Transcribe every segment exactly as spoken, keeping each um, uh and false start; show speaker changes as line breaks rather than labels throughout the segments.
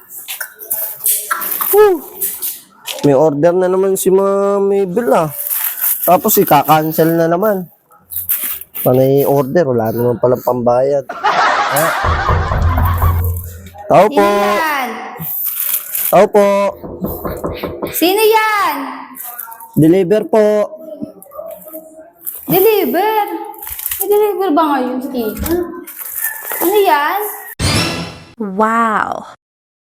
Whew. May order na naman si Mami Bel ah. Tapos ika-cancel na naman. Panay order, wala naman palang pambayad. Ha? Tao po.
Sino yan?
Tao po.
Sino yan?
Deliver po.
Deliver? May deliver ba ngayon si tita? Ano yan?
Wow.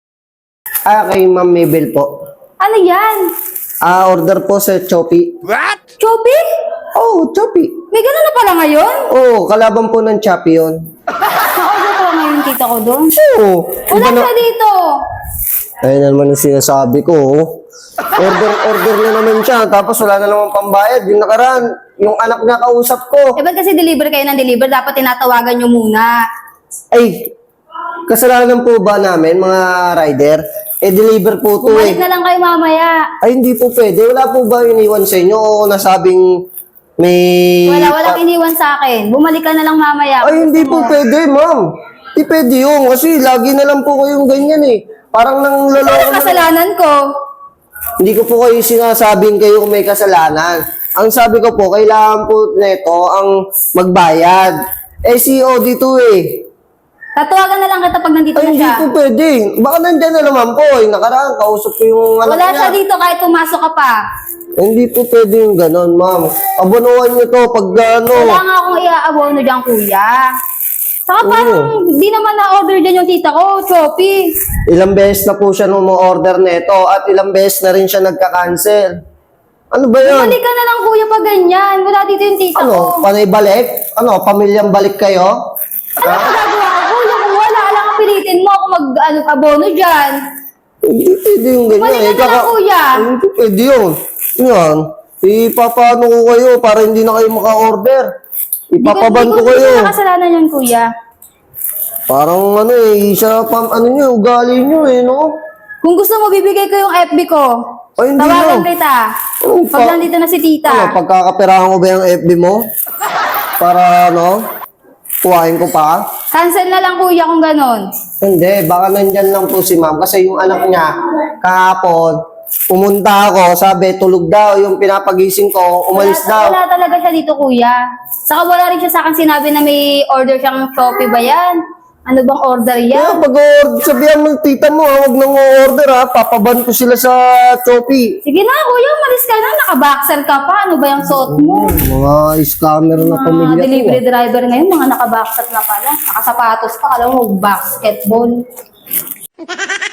Ah, kay Mami Bel po.
Ano yan?
Ah, order po sa Shopee.
Choppy?
Oh, Shopee.
May ganun na pala ngayon?
Oh, kalaban po ng Shopee yun.
Na-order pala ngayon tita ko doon.
Oo.
Wala
Iba na-
siya dito.
Ayun na naman yung sinasabi ko. oh. Order, order na naman siya. Tapos wala na naman pambayad. Yung nakaraan, yung anak niya kausap ko.
Eh, ba't kasi deliver kayo ng deliver? Dapat tinatawagan nyo muna.
Ay, kasalanan po ba namin, mga rider? Eh, deliver po to
Bumalik
eh.
na lang kayo mamaya.
Ay, hindi po pwede. Wala po ba iniwan sa inyo o nasabing may...
Wala, walang iniwan sa akin. Bumalik ka na lang mamaya.
Ay, hindi po pwede, ma'am. Hindi pwede yun. Kasi lagi na lang po kayong ganyan eh. Parang nang
Ano
loloko na.
kasalanan ko?
Hindi ko po kayo sinasabing kayo kung may kasalanan. Ang sabi ko po, kailangan po neto ang magbayad. Eh, C O D to eh.
Tatawagan na lang kita pag nandito
Ay,
na
hindi
siya.
po pwede. Baka nandyan na naman po. Eh, nakaraan, kausap ko yung anak
Wala
niya.
siya dito kahit pumasok ka pa.
Eh, hindi po pwede yung ganon, ma'am. Abonuhan niyo to pag ano.
Wala nga akong i-aabono dyan, kuya. Saka
Oo.
parang di naman na-order dyan yung tita ko, Choppy.
Ilang beses na po siya nung order neto at ilang beses na rin siya nagka-cancel. Ano ba yan?
Bumalik ka na lang, kuya, pag ganyan. Wala dito yung tita
Ano?
ko.
Panay balik? Ano? Pamilyang balik kayo?
Ano ang gagawa ko, kuya? Kung wala, alam ka pilitin mo ako mag-abono dyan.
Hindi pwede yung ganyan.
Bumalik ka na lang, kuya.
Hindi pwede yun. Yan. Ipapaano ko kayo para hindi na kayo maka-order. Ipapaban ko
Hindi
kayo.
ko nakasalanan yan, kuya.
Parang ano eh, isa pam, ano nyo, ugali nyo eh, no?
Kung gusto mo, bibigay ko yung F B ko.
Ay, hindi
Tawagan
na.
kita.
Oh,
Pag
pa-
nandito na si tita.
Ano, pagkakaperahan ko ba yung F B mo? Para ano, kuhain ko pa?
Cancel na lang, kuya, kung ganon.
Hindi, baka nandyan lang po si ma'am. Kasi yung anak niya, kahapon, pumunta ako, sabi, tulog daw, yung pinapagising ko, umalis
wala,
daw.
Wala talaga siya dito, kuya. Saka wala rin siya sa akin sinabi na may order siyang Shopee ba yan? Ano bang order
Kaya
yan?
pag sabihan mo, tita mo, ha, huwag nang order ha, papaban ko sila sa Shopee.
Sige na, kuya, umalis ka na. Nakaboxer ka pa. Ano ba yung suot mo?
Mga scammer na
Mga
pamilya
delivery
ko.
driver ngayon, mga nakaboxer na pala. Nakasapatos pa. Alam mo, basketball.